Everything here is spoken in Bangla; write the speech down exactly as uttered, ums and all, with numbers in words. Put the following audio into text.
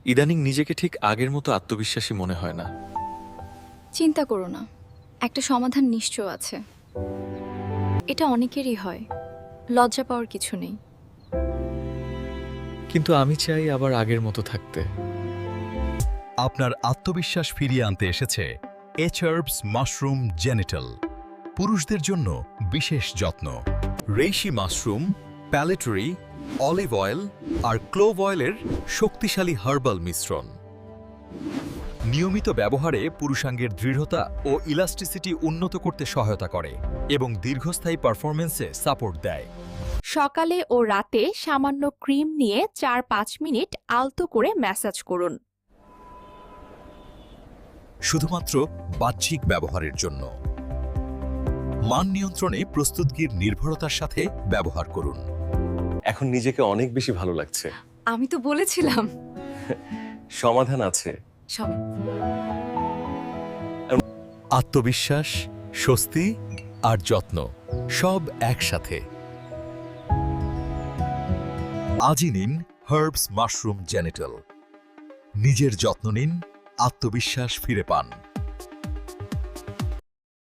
ইদানিং নিজেকে ঠিক আগের মতো আত্মবিশ্বাসী মনে হয় না। চিন্তা করো না, একটা সমাধান নিশ্চয় আছে। এটা অনেকেরই হয়, লজ্জা পাওয়ার কিছু নেই। কিন্তু আমি চাই আবার আগের মতো থাকতে। আপনার আত্মবিশ্বাস ফিরিয়ে আনতে এসেছে এইচআরবস মাশরুম জেনিটাল, পুরুষদের জন্য বিশেষ যত্ন। রেইশি মাশরুম, প্যালেটরি, অলিভ অয়েল আর ক্লোভ অয়েলের শক্তিশালী হার্বাল মিশ্রণ নিয়মিত ব্যবহারে পুরুষাঙ্গের দৃঢ়তা ও ইলাস্টিসিটি উন্নত করতে সহায়তা করে এবং দীর্ঘস্থায়ী পারফরমেন্সে সাপোর্ট দেয়। সকালে ও রাতে সামান্য ক্রিম নিয়ে চার পাঁচ মিনিট আলতো করে ম্যাসাজ করুন। শুধুমাত্র বাহ্যিক ব্যবহারের জন্য। মান নিয়ন্ত্রণে প্রস্তুতগির নির্ভরতার সাথে ব্যবহার করুন। এখন নিজেকে অনেক বেশি ভালো লাগছে। আমি তো বলেছিলাম। সমাধান আছে। সব আত্মবিশ্বাস, স্বস্তি আর যত্ন সব একসাথে। আজই নিন হার্বস মাশরুম জেনিটাল। নিজের যত্ন নিন, আত্মবিশ্বাস ফিরে পান।